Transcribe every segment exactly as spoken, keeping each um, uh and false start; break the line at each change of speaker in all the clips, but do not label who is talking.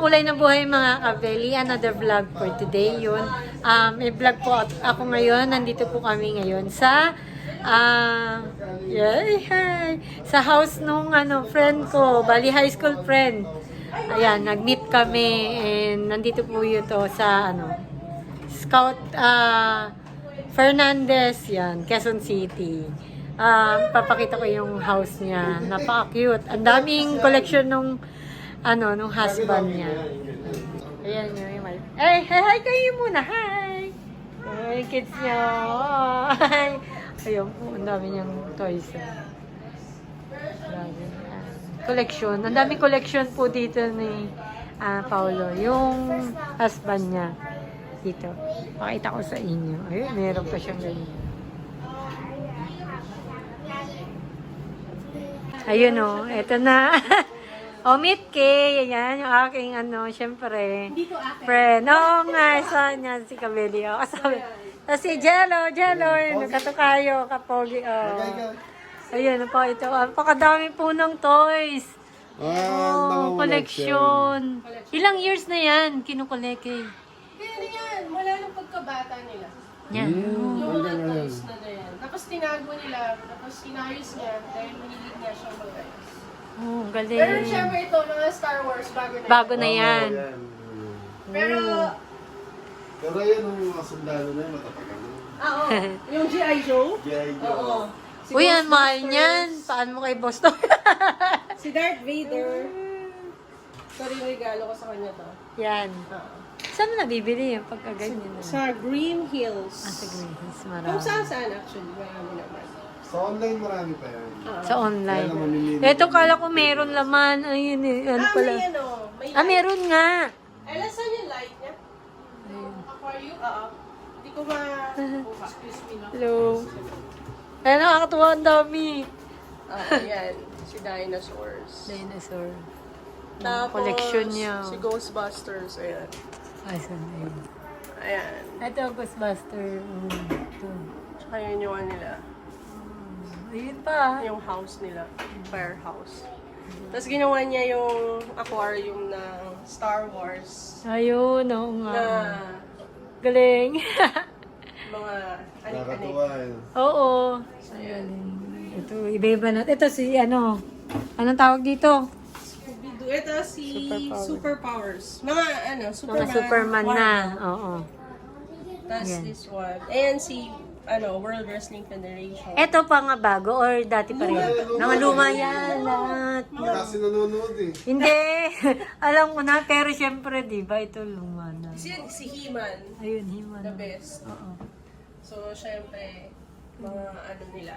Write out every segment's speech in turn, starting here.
Kulay na buhay mga kabeli, another vlog for today yun. Um, may vlog po ako ngayon, nandito po kami ngayon sa uh, yay, hi, sa house nung ano, friend ko, bali high school friend. Ayan, nag-meet kami and nandito po yun to sa ano, Scout uh, Fernandez, yan, Quezon City. Uh, papakita ko yung house niya, napaka-cute. Ang daming collection nung ano, nung husband niya. Ayan yun yung mal- Ay, hi, hi kayo muna, hi! Ay, kids niya. Hi! Ayun po, ang dami niyang toys. Grabe. Uh, collection. Ang daming collection po dito ni uh, Paolo. Yung husband niya. Dito. Pakita ko sa inyo. Ayun, meron pa siyang ganyan. Ayun o, oh, eto na. O, meet Kay. Ayan, yung aking ano, syempre. Friend. Oo nga, saan niya si Cabelli. O, kasabi. Tapos si Jello, Jello, yun, katukayo, kapogi. O. Ayun po, ito. Napakadami po ng toys. Oh, collection. Ilang years na yan, kinukolek eh.
Pero yan, wala nang pagkabata nila.
Yan.
Yung mga toys na na yan. Tapos tinago nila, tapos inayos niya dahil mahilig niya siyang mag-ayos.
Oh,
Pero
galing.
syempre ito, mga Star Wars, bago na
Bago
yan.
na yan.
Pero,
Pero yan ang mga sundalo na yun, matatagal na.
ah, oo. Yung G I. Joe?
G I. Joe.
Oo. Si
Uy, yan, mahal
Ghostbusters,
niyan. Paano mo kay Boston?
Si Darth Vader. Sorry, regalo ko sa kanya to.
Yan.
Oo.
Saan mo nabibili yung pagkaganyan na?
Sa Green Hills.
Ah, sa Green Hills,
Kung
marami.
saan saan actually, marami naman.
Sa online marami pa yan.
Sa online.
Kaya naman mamimili.
Ito, kala ko meron laman. Ayun, eh, ano
Ah,
pala.
may ano, may
Ah, meron nga.
Ay, saan yung light niya? Aquarium? Oo. Hindi ko ma... Excuse me, no?
Hello. Ay, nakakatuwa, ang dami.
Ah, ayan. Si Dinosaurs.
Dinosaur.
Tapos,
Collection niya.
si Ghostbusters. Ayan.
Ay, saan na yun?
Ayan.
Ito, Ghostbuster. Mm, ito.
Tsaka yun yung ano nila.
Ayun pa.
Yung house nila. Firehouse. Tapos ginawa niya yung aquarium ng Star Wars.
Ayun, oo nga.
Na
Galing.
mga anik-anik.
Nakakatuwa yun.
Oo. Ang galing. Ito, iba-iba na. Ito si ano. Anong tawag dito?
Scooby-Doo. Ito si
Superpower.
Superpowers. Mga ano, Superman.
Mga Superman na.
Marvel.
Oo.
Tapos
Yan.
this one. Ayan si ano, World Wrestling Federation.
Ito pa nga bago or dati pa rin? Mga luma yan. Lahat.
Kasi nanonood eh.
Hindi. Alam ko na. Pero syempre, di ba? Ito luma na.
Si, si He-Man,
Ayun, himan.
the best.
Oo.
So, syempre, mga ano nila.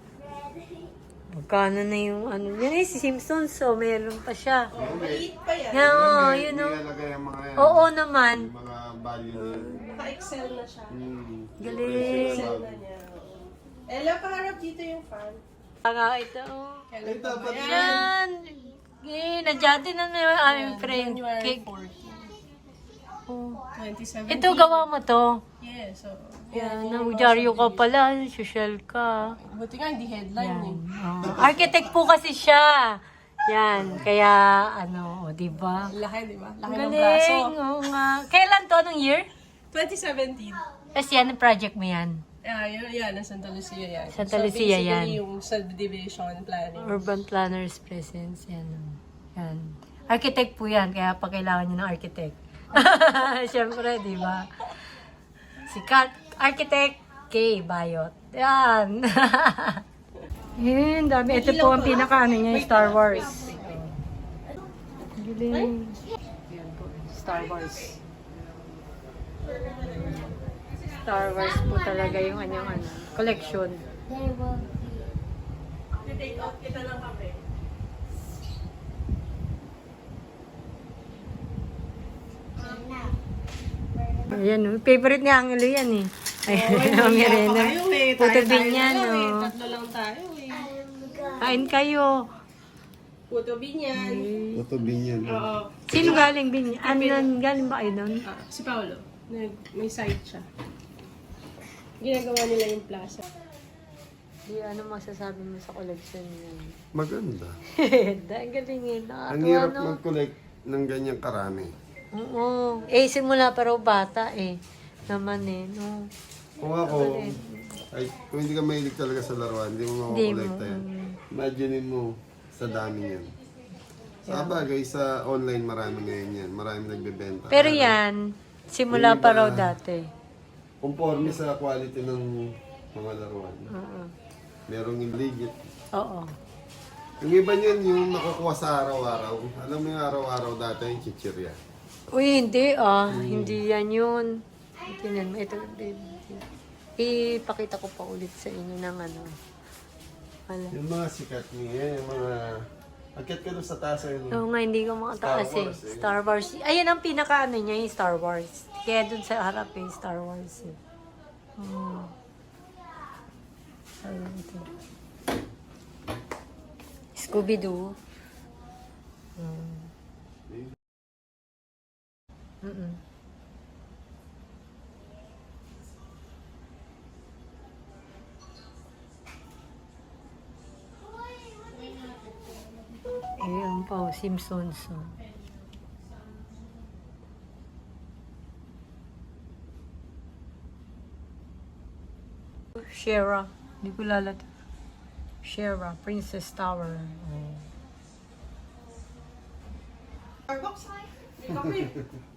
Magkano na yung ano. Yan eh, si Simpsons. So, meron pa siya.
Oh, maliit pa yan.
Yan, oo,
May-
yun
may
o.
alagay ang mga yan.
Oo naman.
Yung mga value na yun.
Naka-excel na siya.
Hmm.
Galing.
Excel na niya. Ella, paharap dito yung fan.
Saka ito.
Kailan
Ay,
pa ba
dapat
yan?
Yan. Eh, nandiyan din na na yung aming friend.
January
Cake.
fourteen,
Oh.
twenty seventeen.
Ito, gawa mo to.
Yes, so.
Yan, naudyaryo ka pala. Social ka.
Buti nga, hindi headline
Yan.
eh.
Oh. Architect po kasi siya. Yan. Kaya, ano, o, diba?
Laki, di ba? Laki
Ang
ng braso.
galing. Oo nga. Kailan to? Anong year?
twenty seventeen.
Tapos yan, ang project mo yan.
Ah, yun, yan, ang Santa Lucia yan.
Santa
so,
Lucia
basically,
yan.
yung subdivision planning.
Urban Planners Presence. Yan. oh. Yan. Architect po yan. Kaya pa kailangan nyo ng architect. Siyempre, di ba? Si Kat, Architect K. Bayot. Yan. Yan, dami. Ito po ang pinaka ano niya, yung Star Wars. Galing. Yan po, Star Wars. Star Wars po talaga yung kanyang ano, collection.
Take out kita ng kape.
Ayan, oh. Favorite ni Angelo yan eh. Ayan, ang merenda. Puto binyan,
eh.
oh.
Tatlo lang tayo eh.
Kain kayo.
Puto binyan.
Ito binyan.
Oo.
Sino galing binyan? Ano yan? Galing ba kayo doon?
Ah, si Paolo. Nag, may site siya. Ginagawa nila yung plaza.
Di, ano masasabi mo sa collection niya?
Maganda.
Ang galing eh.
Ang
Nakakatuwa,
hirap
no?
mag-collect ng ganyang karami.
Oo. Eh, simula pa raw bata eh. Naman eh, no?
Kung ako, ay, kung hindi ka mahilig talaga sa laruan, hindi mo
Hindi
makakolekta
mo,
yan.
mm.
Imaginein mo, sa dami yan. Sa bagay, sa online marami ngayon yan. Marami nagbebenta.
Pero yan, simula
Yung
pa
iba-
raw dati.
Conforme sa quality ng mga laruan.
Oo.
Merong legit.
Oo.
Yung iba niyan, yung nakukuha sa araw-araw. Alam mo yung araw-araw dati yung chichirya.
Uy, hindi ah. Hindi yan yun. Tingnan mo. Ito, baby. Ipakita ko pa ulit sa inyo ng ano. Wala.
Yung mga sikat niya, yung mga... Agkat ka doon sa taas ayun.
Oo nga, hindi ko makataas
Star
eh.
Wars, eh.
Star Wars. Ayan ang pinaka ano niya, yung Star Wars. Kaya dun sa harap eh, Star Wars eh. Hmm. Ayun ito. Scooby-Doo. Hmm. Mm-mm. Ayan pa, oh, Simpsons. Oh. Shera. Hindi ko lalat. Shera, Princess Tower. Oh.
Starbucks? Hindi ka free.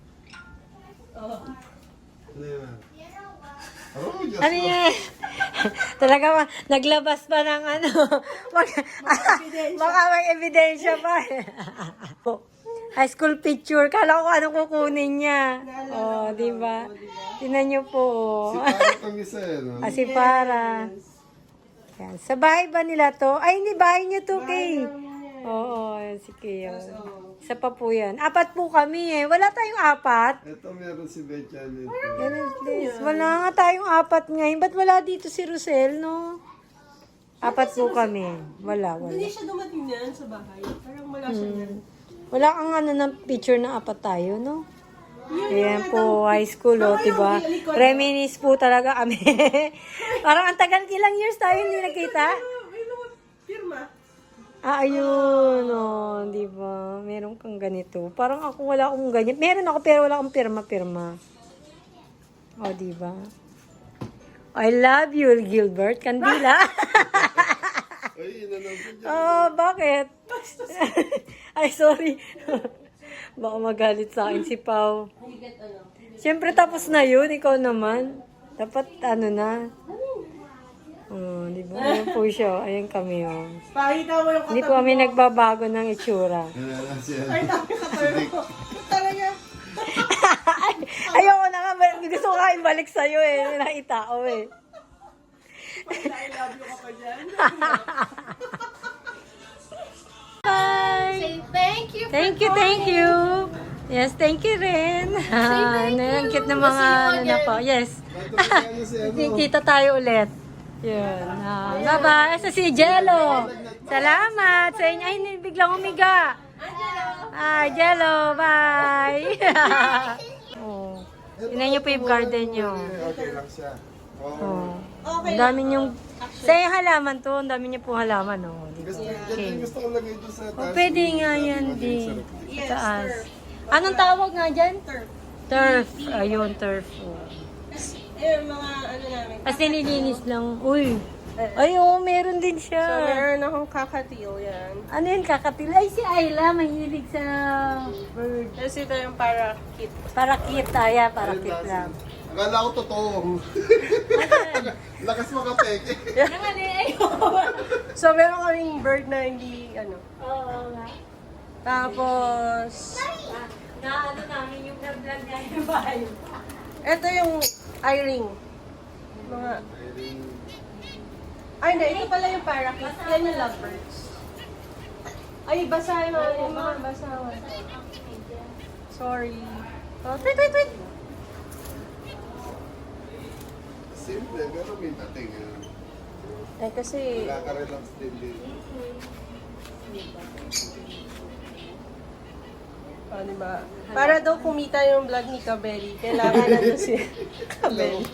Ano yan? Oh, just
Ano yan? Talaga ma, naglabas pa ng ano. Mag, baka may ebidensya pa. Po, high school picture. Kala ko anong kukunin niya. Oh, di ba? Tinan niyo po.
Si Paro itong isa eh, no?
Ah, si para. Yan. Sa bahay ba nila to? Ay, hindi bahay niyo to, Kay. Oo, yan si Kay. oh. Isa pa po yan. Apat po kami eh. Wala tayong apat.
Ito meron si Betchan ito.
Yan at least. Wala nga tayong apat ngayon. Ba't wala dito si Rosel, no? Apat po kami. Wala, wala.
Hindi siya dumating niyan sa bahay. Parang wala siya niyan.
Wala kang ano ng picture na apat tayo, no? Ayan po, high school, oh, diba? Reminis po talaga kami. Parang ang tagal, ilang years tayo hindi nakita?
May mga firma.
Ah, ayun, oh, di ba? Meron kang ganito. Parang ako wala akong ganyan. Meron ako pero wala akong pirma-pirma. Oh, di ba? I love you, Gilbert Candila.
Ay, inanong ko dyan.
Oh, bakit? Ay, sorry. Baka magalit sa akin si Pau. Siyempre tapos na yun, ikaw naman. Dapat ano na. Oh, di ba? Ayan po siya. Ayan kami, oh.
Pakita mo yung
Hindi po kami nagbabago ng itsura.
Yan na siya.
Ay, dami ka pero. Talaga.
Ay, ayoko na nga. Gusto ko nga ibalik sa'yo eh. Nakitao eh.
I love you ka pa dyan.
Bye!
Say thank you for
Thank you, thank you. Yes, thank you rin.
thank
Ang
you.
cute ng
We'll
mga
see you
ano na
again.
po. Yes.
Ano si ano?
Kita tayo ulit. Yun. Ah, bye-bye. Sa si Jello. Salamat sa inyo. Ay, biglang umiga. Ay, Jello. Bye. oh. Tingnan niyo po yung garden niyo.
Okay lang siya. Oo.
Oh.
Okay.
Ang dami niyong... Sa yung halaman to, ang dami niyo po halaman. Oh. Di ba?
Gusto, yan din gusto ko lagay doon sa
Oh,
taas.
pwede nga yan,
Maging
di.
sarap.
Yes,
Taas.
turf.
Anong tawag nga dyan?
Turf.
Turf. Ayun, turf. Oh.
Eh, mga ano namin.
As nililinis lang. Uy. Ay, oo, meron din siya.
So, meron akong kakatil yan.
Ano yun, kakatil? Ay, si Ayla, mahilig sa bird.
Tapos ito yung para kit.
Para kit, aya, para
Ayun,
kit
lasa.
lang.
Akala ko totoo. Lakas makapeke.
Naman eh, ayun.
So, meron kaming bird na hindi, ano.
Oo nga.
Tapos,
Ah, na ano namin yung vlog niya yung bahay.
ito yung eye-ring. Mga, ay, hindi. Ito pala yung parakeet. Yan yung lovebirds. Ay, basa yung ano. Mga basa. Sorry. Oh, wait, wait, wait.
Simple, pero may dating. ah.
Eh, kasi,
Nakaka-relax din din.
oh, diba? Para daw kumita yung vlog ni Kabeli, kailangan na daw si Kabeli.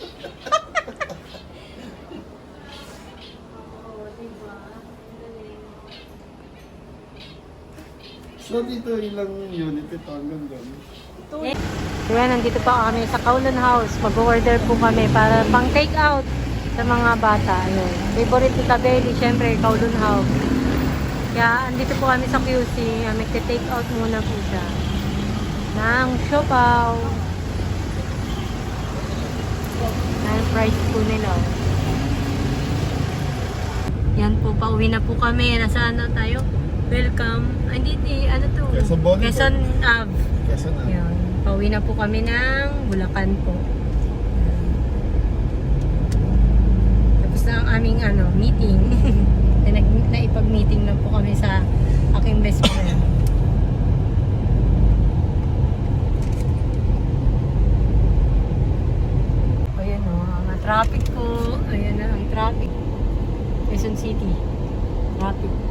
So dito ilang unit ito hanggang doon?
Eh, Ayan, nandito pa kami sa Kowloon House. Mag-order po kami para pang take out sa mga bata. Ayun. Favorite ni Kabeli, syempre, Kowloon House. Kaya, andito po kami sa Q C. Magte-take out muna po siya. Ng siopaw. Ang price po nila. Yan po, pauwi na po kami. Nasaan na tayo? Welcome. Ay, hindi, hindi, ano to?
Quezon Boulevard.
Quezon Ave.
Quezon Ave.
Yan. Pauwi na po kami ng Bulacan po. Tapos na ang aming ano, meeting. na, naipag-meeting na po kami sa aking best friend. Ayan o, ang traffic po. Ayan na ang traffic. Quezon City. Traffic.